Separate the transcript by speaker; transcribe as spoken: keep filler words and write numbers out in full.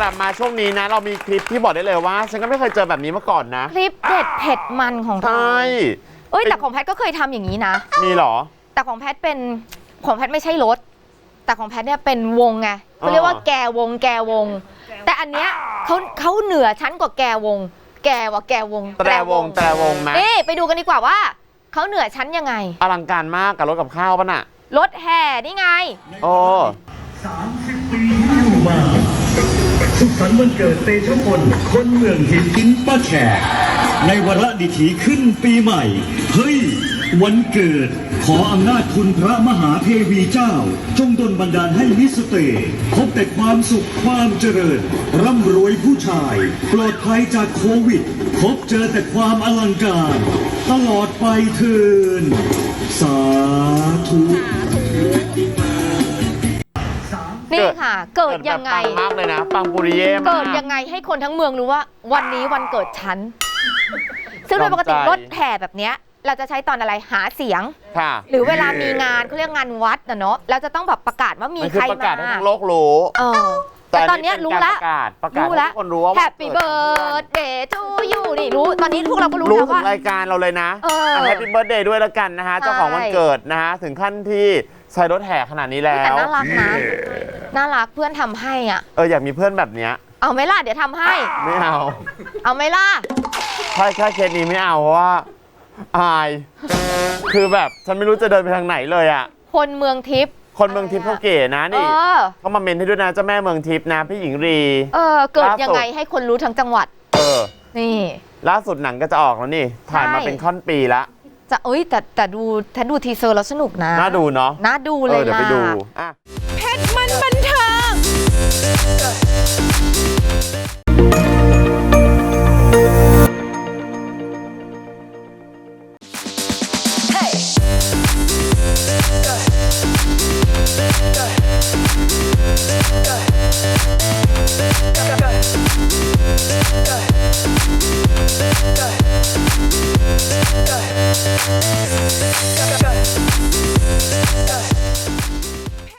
Speaker 1: ลับมาช่วงนี้นะเรามีคลิปที่บอกได้เลยว่าฉันก็ไม่เคยเจอแบบนี้มาก่อนนะ
Speaker 2: คลิปเด็ดเผ็ดมันของเรา
Speaker 1: ใช่
Speaker 2: เอ้ยแต่ของแพทก็เคยทำอย่างนี้นะ
Speaker 1: มีหรอ
Speaker 2: แต่ของแพทเป็นของแพทไม่ใช่รถแต่ของแพทเนี่ยเป็นวงไงเขาเรียกว่าแกวงแกวงแต่อันเนี้ยเขาเขาเหนือชั้นกว่าแกวงแกว่าแกวง
Speaker 1: แตรวงแตรวงไหม
Speaker 2: นี่ไปดูกันดีกว่าว่าเขาเหนือชั้นยังไง
Speaker 1: อลังการมากกับรถกับข้าวป่ะน่ะ
Speaker 2: รถแห่นี่ไง
Speaker 1: โอ้
Speaker 3: สามสิบปีที่อยู่มาสุขสันต์วันเกิดเตชะพลคนเมืองหินหินป้าแขกในวาระดิถีขึ้นปีใหม่เฮ้ยวันเกิดขออำนาจคุณพระมหาเทวีเจ้าจงดลบันดาลให้มิสเตพบแต่ความสุขความเจริญร่ำรวยผู้ชายปลอดภัยจากโควิดพบเจอแต่ความอลังการตลอดไปเถิดสาธุ
Speaker 2: นี่ค่ะเกิดยังไง
Speaker 1: ปังมากเลยนะปังปุริเย่มาก
Speaker 2: เกิดยังไงให้คนทั้งเมืองรู้ว่าวันนี้วันเกิดฉันซึ่งโดยปกติรถแห่แบบเนี้ยเราจะใช้ตอนอะไรหาเสียงหรือเวลามีงานเขาเรียกงานวัดนะเนาะเราจะต้องแบบประกาศว่ามีใครมา
Speaker 1: ประกาศให้ทั้งโลกรู้
Speaker 2: แต่ตอนนี้รู้แล้ว
Speaker 1: รู้แล้วคนรู้ว่า
Speaker 2: Happy Birthday to you นี่รู้ตอนนี้พวกเราก็รู้แล้วว่าร
Speaker 1: ายการเราเลยนะ Happy Birthday ด้วยแล้วกันนะฮะเจ้าของวันเกิดนะฮะถึงขั้นที่ใช้รถแห่ขนาดนี้แล้ว
Speaker 2: แต่น่ารักนะน่ารักเพื่อนทำให้อ่ะ
Speaker 1: เอออยากมีเพื่อนแบบเนี้ย
Speaker 2: เอาไหมล่ะเดี๋ยวทำให้
Speaker 1: ไม่เอา
Speaker 2: เอาไหมล่ะ
Speaker 1: ใช่แค่เคสนี้ไม่เอาเพราะว่าอายคือแบบฉันไม่รู้จะเดินไปทางไหนเลยอ่ะ
Speaker 2: คนเมืองทิพย์
Speaker 1: คนเมืองทิพย์เขาเก๋นะนี่เขามาเมนให้ด้วยนะเจ้าแม่เมืองทิพย์นะพี่หญิงรี
Speaker 2: เออเกิดยังไงให้คนรู้ทั้งจังหวัด
Speaker 1: เออ
Speaker 2: นี่
Speaker 1: ล่าสุดหนังก็จะออกแล้วนี่ถ่ายมาเป็นค่อนปีละ
Speaker 2: จะเอ้ยแต่แต่ดูถ้าดูทีเซอร์แล้วสนุกนะ
Speaker 1: น่าดูเนาะ
Speaker 2: น่าดูเลยล่ะ
Speaker 1: เดี๋ยวไปดูอ่ะ
Speaker 2: เพชรมันบันเทิง
Speaker 4: Go.